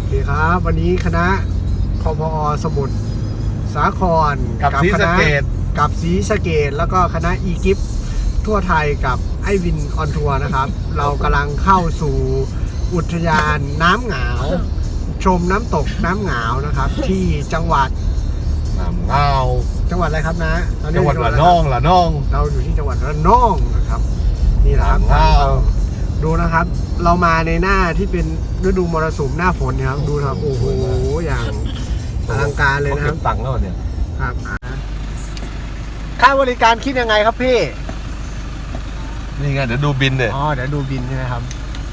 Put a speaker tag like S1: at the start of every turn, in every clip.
S1: เคครับวันนี้คณะคพอสมุทรสาคร
S2: กับศรีสะเกษ
S1: กับศรีสะเกษแล้วก็คณะอีกิฟทั่วไทยกับไอวินออนทัวร์นะครับ เรากำลังเข้าสู่อุทยานน้ำหงาวชมน้ำตกน้ำหงาวนะครับ ที่จังหวัด
S2: น้ำเงา
S1: จังหวัดอะไรครับนะ
S2: จังหวัดระนอง
S1: เราอยู่ที่จังหวัดระนองนะครับนี่แหละครับดูนะครับเรามาในหน้าที่เป็นฤดูมรสุมหน้าฝนนะครับดูครับโอ้โหอย่างอลังการเลยนะครับ
S2: ตังค์แล้วเนี่ย
S1: ครับค่าบริการคิดยังไงครับพี่
S2: นี่ไงเดี๋ยวดูบินเลย
S1: อ๋อเดี๋ยวดูบินใช่ไหมครับ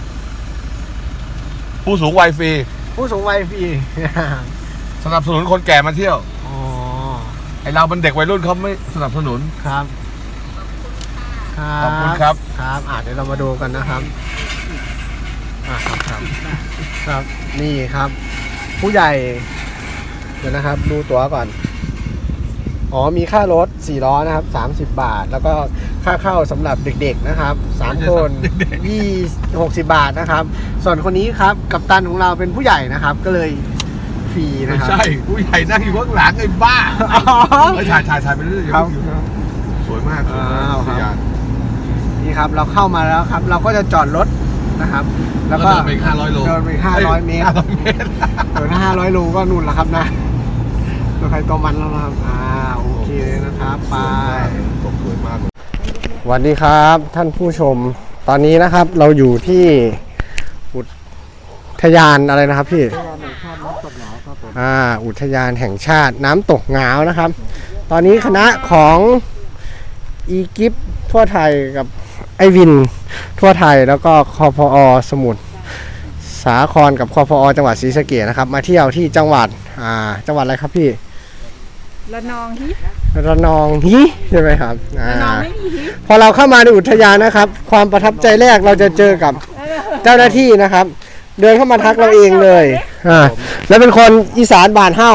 S2: ผู้สูงวัยฟรี
S1: ผู้สูงวัยฟรี
S2: สนับสนุนคนแก่มาเที่ยว
S1: อ๋อ
S2: ไอเราเป็นเด็กวัยรุ่นเขาไม่สนับสนุน
S1: ครับ
S2: ขอบคุณครับ
S1: ครับเดี๋ยวเรามาดูกันนะครับครับนี่ครับผู้ใหญ่เดี๋ยวนะครับดูตั๋วก่อนอ๋อมีค่ารถ4ล้อนะครับ30 บาทแล้วก็ค่าเข้าสำหรับเด็กๆนะครับ3คน60 บาทนะครับส่วนคนนี้ครับกัปตันของเราเป็นผู้ใหญ่นะครับก็เลยฟรีนะครับ
S2: ไม่ใช่ผู้ใหญ่นั่งอยู่ข้างหลังไอ้บ้าถ่ายไปเรื่อยๆสวยมาก
S1: ครับนี่ครับเราเข้ามาแล้วครับเราก็จะจอดรถนะครับแล้วก็
S2: เดินไป500 โล
S1: เดินไป500 เมตรเดิน500 โลก็นู่นแล้วครับนะตัวใครตัวมันแล้วนะครับโอเคนะครับไป
S2: สวยมาก
S1: สวัสดีครับท่านผู้ชมตอนนี้นะครับเราอยู่ที่อุทยานอะไรนะครับพี่อุทยานแห่งชาติน้ำตกหงาวนะครับตอนนี้คณะของอีกิฟทั่วไทยกับไอวินทั่วไทยแล้วก็คพอสมุทรสาครกับคพอจังหวัดศรีสะเกษนะครับมาเที่ยวที่จังหวัดอะไรครับพี่
S3: ระนอง
S1: ฮิใช่ไหมครับ
S3: ระนองไม่มีฮิ
S1: พอเราเข้ามาในอุทยานนะครับความประทับใจแรกเราจะเจอกับเจ้าหน้าที่นะครับเดินเข้ามาทักเราเองเลยแล้วเป็นคนอีสานบ้านเฮ้า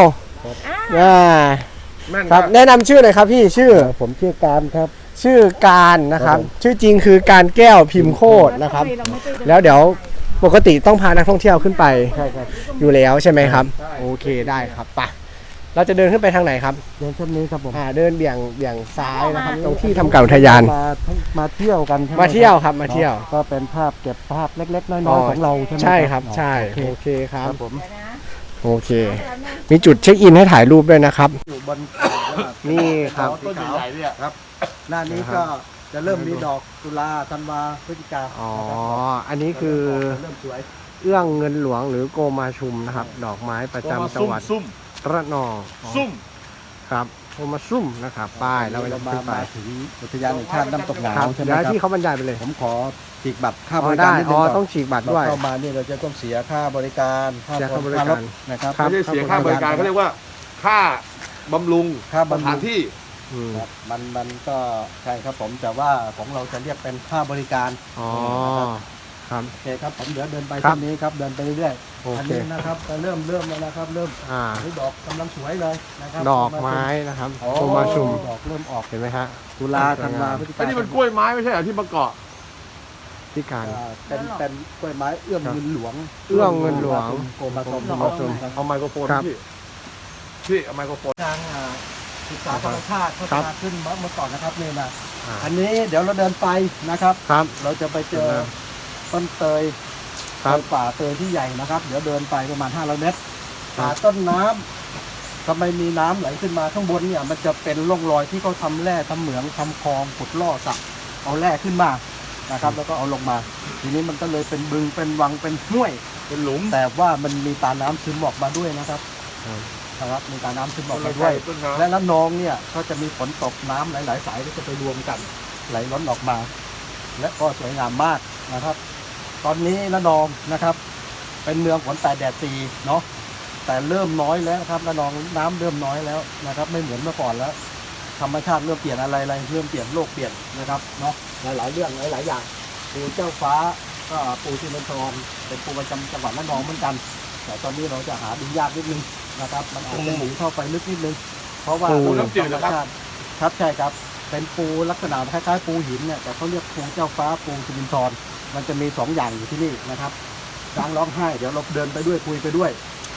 S1: ครับแนะนำชื่อหน่อยครับพี่ชื่อ
S4: ผมชื่อการครับ
S1: ชื่อการนะครับชื่อจริงคือการแก้วพิมพ์โคตรนะครับแล้วเดี๋ยวปกติต้องพานักท่องเที่ยวขึ้นไปอยู่แล้วใช่ไหมครับโอเคได้ครับไปเราจะเดินขึ้นไปทางไหนครับ
S4: เดินเส้นนี้ครับผม
S1: เดินเบี่ยงซ้ายนะครับตรงที่ทำการอุทยาน
S4: มาเที่ยวกัน
S1: มาเที่ยวครับมาเที่ยว
S4: ก็เป็นภาพเก็บภาพเล็กๆน้อยๆของเราใช่ไหม
S1: ใช่ครับใช่โอเคครับผมโอเคมีจุดเช็คอินให้ถ่ายรูปด้วยนะครับ
S4: อยู่บน
S1: นี่ครับ
S2: ต้นใหญ่เนี่ยครับ
S4: หน้านี้ก็จะเริ่มมีดอกตุลาธันวาพฤศจิกา
S1: อันนี้คือ
S4: เริ่มสวย
S1: เอื้องเงินหลวงหรือโกมาชุมนะครับดอกไม้ประจำจังหวัดระนอง
S2: ซุ่ม
S1: ครับโกมาซุ่มนะครับป้ายเรา
S4: มาถึงอุทยานแห่งชาติน้ำตกหงาวใช่ไหมครับ
S1: ที่เขาบรรยายไปเลย
S4: ผมขอฉีกบัตรค่าบริการนิดนึง
S1: ต้องฉีกบัตรด้วย
S4: เข้ามานี่เราจะต้องเสียค่าบริการ
S1: ค่าบริการ
S4: นะครับ
S2: ไม่ได้เสียค่าบริการเขาเรียกว่าค่าบำรุงสถานที่
S4: มันก็ใช่ครับผมแต่ว่าของเราจะเรียกเป็นค่าบริการ
S1: ครับ
S4: โอเคครับผมเดี๋ยวเดินไปเส้นนี้ครับเดินไปเรื่อย
S1: ๆอัน
S4: นี้นะครับเริ่มแล้วนะครับเริ่มนี่ดอกกำลังสวยเลยนะครับ
S1: ดอกไม้นะครับโกมาชุม
S4: ดอกเริ่มออก
S1: เห็นไหมฮะ
S4: ตุลาธันวาพฤศจิกา
S2: นี่มันกล้วยไม้ไม่ใช่เหรอที่มาเกาะ
S1: ที่การ
S4: เป็นกล้วยไม้เอื้องเงินหลวง
S1: เอื้องเงินหลวง
S4: โกมาชุม
S2: เอาไมโครโฟนพี่เอาไมโครโฟน
S4: ทางศึกษาธรรมชาติพัฒนาขึ้นเมื่อก่อนนะครับนี่นะอันนี้เดี๋ยวเราเดินไปนะครับเราจะไปเจอต้นเตยป่าเตยที่ใหญ่นะครับเดี๋ยวเดินไปประมาณ500 เมตรหาต้นน้ำทำไมมีน้ำไหลขึ้นมาข้างบนเนี่ยมันจะเป็นร่องรอยที่เขาทำแร่ทำเหมืองทำคลองขุดล่อสระเอาแร่ขึ้นมานะครับแล้วก็เอาลงมาทีนี้มันก็เลยเป็นบึงเป็นวังเป็นห้วย
S2: เป็นหลุม
S4: แต่ว่ามันมีตาน้ำซึมออกมาด้วยนะครับมีตาน้ำซึมออกมาด้วยและน้ำนองเนี่ยก็จะมีฝนตกน้ำหลายๆสายที่จะไปรวมกันไหลล้นออกมาและก็สวยงามมากนะครับตอนนี้ระนองนะครับเป็นเมืองฝนแต่แดดตีเนาะแต่เริ่มน้อยแล้วครับระนองน้ำเริ่มน้อยแล้วนะครับไม่เหมือนเมื่อก่อนแล้วธรรมชาติเริ่มเปลี่ยนอะไรเริ่มเปลี่ยนโลกเปลี่ยนนะครับเนาะหลายๆเรื่องหลายๆอย่างปูเจ้าฟ้าก็ปูที่มันทองเป็นปูประจำจังหวัดระนองเหมือนกันแต่ตอนนี้เราจะหาดูยากนิดนึงนะครับมันอาจจะหนีเข้าไปลึกนิดนึงเพราะว่า
S2: ปูน้ำจืดนะครับ
S4: ครับใช่ครับเป็นปูลักษณะคล้ายๆปูหินเนี่ยแต่เขาเรียกปูเจ้าฟ้าปูสิรินทรมันจะมี2 อย่างอยู่ที่นี่นะครับช้างร้องไห้เดี๋ยวเราเดินไปด้วยคุยไปด้วย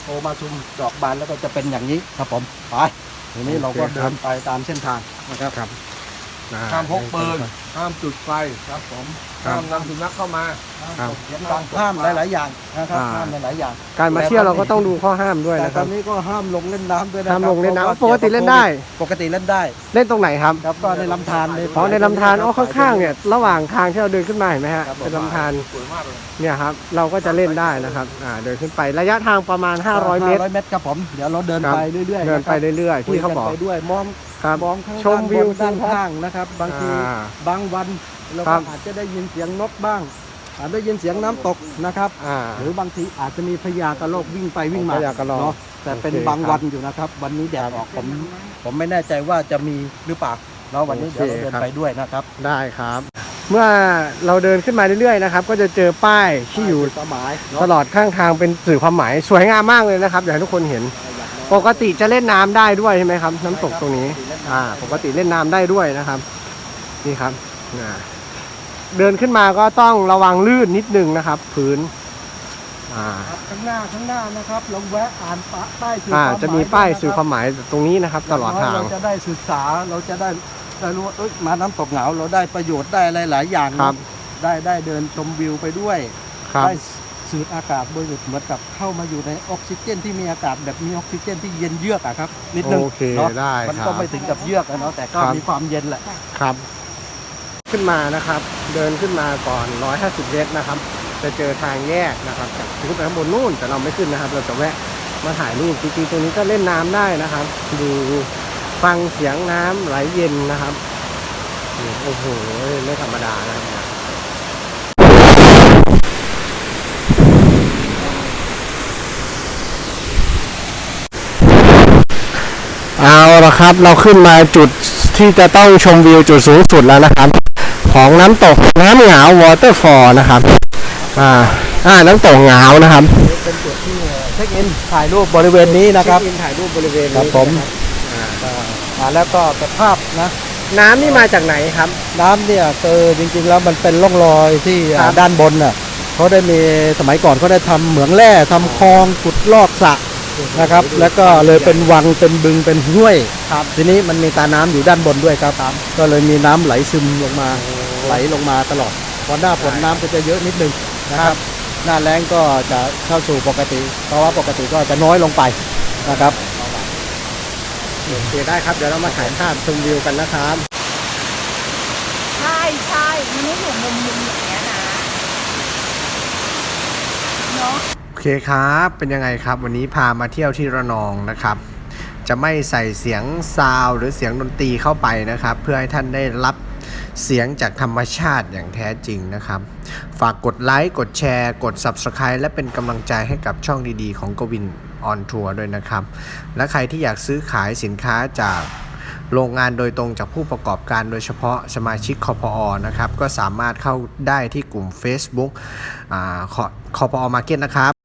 S4: โตมาซุมดอกบานแล้วก็จะเป็นอย่างนี้ครับผมไปทีนี้เราก็เดินไปตามเส้นทางนะครับ
S1: ครับ
S2: ห้ามพกปืนห้ามจุดไฟ
S4: ครับผม
S2: ห้ามนำสุนัขเข้ามา
S1: ครับ
S4: เขียนการห้ามหลาย ๆ อย่างนะครับห้ามหลาย ๆ อย่าง
S1: การมาเที่ยวเราก็ต้องดูข้อห้ามด้วย
S4: แต่
S1: นะค
S4: ต
S1: รั
S4: อบ นนี้ก็ห้ามลงเล่นน้ำด้วยนะครั
S1: ห้ามลงเล่นน้ำ
S4: พราะว่า
S1: ปกติเล่นได้
S4: ปกติเล่นได้
S1: เล่นตรงไหนครับ
S4: ครับก็ในลำธาร
S1: อ๋อในลำธารอ๋อข้างๆเนี่ยระหว่างทางที่เราเดินขึ้นมาเห็นไหมฮะ
S4: ครับผม
S1: เป็นลำธาร
S2: สวยมากเลย
S1: เนี่ยครับเราก็จะเล่นได้นะครับเดินขึ้นไประยะทางประมาณ500 เมตร
S4: 500 เมตรครับผมเดี๋ยวเราเดิน
S1: ครับ
S4: ไปเรื่อยๆ
S1: เดินไปเรื่อยๆ
S4: คุย
S1: พี่เขา
S4: กัน
S1: บอก
S4: ไปด้วยมอง
S1: ครับ
S4: มองข้าง
S1: ชมวิว
S4: ด้านข้างนะครับ บางที
S1: อ่า
S4: บางวันเรา
S1: ครั
S4: ก็
S1: บ
S4: อาจจะได้ยินเสียงนกบ้างอาจได้ยินเสียงน้ำตกนะครับ หรือบางทีอาจจะมีพญากระรอกวิ่งไปวิ่งมา
S1: พญากระรอก
S4: เนาะแต่เป็น
S1: โอเค
S4: บาง
S1: ครับ
S4: วันอยู่นะครับ วันนี้แดดออกผมไม่แน่ใจว่าจะมีหรือเปล่าเนาะวันนี้
S1: โอเค
S4: เดี๋ยวเราเดิน
S1: ครับ
S4: ไปด้วยนะครับ
S1: ได้ครับ เมื่อเราเดินขึ้นมาเรื่อยๆนะครับก็จะเจอป้ายที่อยู่
S4: สมาย
S1: ตลอดข้างทางเป็นสื่อความหมายสวยงามมากเลยนะครับอยากให้ทุกคนเห็น ปกติจะเล่นน้ำได้ด้วยใช่ไหมครับ น้ำตกตรงนี้ปกติเล่นน้ำได้ด้วยนะครับ นี่ครับเดินขึ้นมาก็ต้องระวังลื่นนิดนึงนะครับ พื้น
S4: ข้างหน้านะครับเราแวะอ่านป้ายสื่อความหมาย
S1: จะมีป้ายสื่อ
S4: นะ
S1: ความหมายตรงนี้นะครับ ตลอดทาง
S4: เราจะได้ศึกษาเราจะได้รู้ว่ามาน้ำตกเหงาเราได้ประโยชน์ได้อะไรหลายอย่าง
S1: ครับ
S4: ได้เดินชมวิวไปด้วย
S1: ครับ
S4: ได้สูดอากาศบริสุทธิ์เหมือนกับเข้ามาอยู่ในออกซิเจนที่มีอากาศแบบมีออกซิเจนที่เย็นเยือกอะครับนิดนึง
S1: โอเค
S4: เนาะ
S1: ได้
S4: มัน
S1: ครั
S4: ก็
S1: บ
S4: ไม่ถึงกับเยือกอะเนาะแต่ก็
S1: ครับ
S4: มีความเย็นแหละ
S1: ครับ ขึ้นมานะครับ เดินขึ้นมาก่อน150 เมตรนะครับ จะเจอทางแยกนะครับจากขึ้นไปข้างบนนู่นแต่เราไม่ขึ้นนะครับ เราจะแวะมาถ่ายรูปจริงๆตรงนี้ก็เล่นน้ำได้นะครับ ดูฟังเสียงน้ำไหลเย็นนะครับนี่โอ้โหไม่ธรรมดานะครับเอาละครับเราขึ้นมาจุดที่จะต้องชมวิวจุดสูงสุดแล้วนะครับ ของน้ำตกน้ำเหงาวอเตอร์ฟอลนะครับน้ำตกเหงานะครับ
S4: เป็นจุดที่เช็คอินถ่ายรูปบริเวณนี้นะครับ
S1: เช็คอินถ่ายรูปบริเวณ
S4: ครั
S1: นี้
S4: บผม แล้วก็แต่ภาพนะ
S1: น้ำนี่มาจากไหนครับ
S4: น้ำเนี่ยจริงๆแล้วมันเป็นร่องรอยที่
S1: ครับ
S4: ด้านบนน่ะเขาได้มีสมัยก่อนเขาได้ทำเหมืองแร่ทำคลองขุดลอกสระนะครับ แล้วก็เลยเป็นวังเป็นบึงเป็นห้วย
S1: ครับ
S4: ทีนี้มันมีตาน้ำอยู่ด้านบนด้วยครับก็เลยมีน้ำไหลซึมลงมาไหลลงมาตลอดพอหน้าฝนน้ำก็จะเยอะนิดนึงนะครับ หน้าแล้งก็จะเข้าสู่ปกติเพราะว่าปกติก็จะน้อยลงไปนะครับ
S1: โอเคได้ครับเดี๋ยวเรามาถ่ายภาพชมวิวกันนะครับ
S3: ใช่มันไม่ถูกมุมอย่างเงี้ยนะเนาะ
S1: โอเคครับเป็นยังไงครับวันนี้พามาเที่ยวที่ระนองนะครับ จะไม่ใส่เสียงซาวด์หรือเสียงดนตรีเข้าไปนะครับ เพื่อให้ท่านได้รับเสียงจากธรรมชาติอย่างแท้จริงนะครับ ฝากกดไลค์กดแชร์กด Subscribe และเป็นกำลังใจให้กับช่องดีๆของกวินออนทัวร์ด้วยนะครับ และใครที่อยากซื้อขายสินค้าจากโรงงานโดยตรงจากผู้ประกอบการโดยเฉพาะสมาชิกคพอนะครับก็สามารถเข้าได้ที่กลุ่ม Facebook คพอ Market นะครับ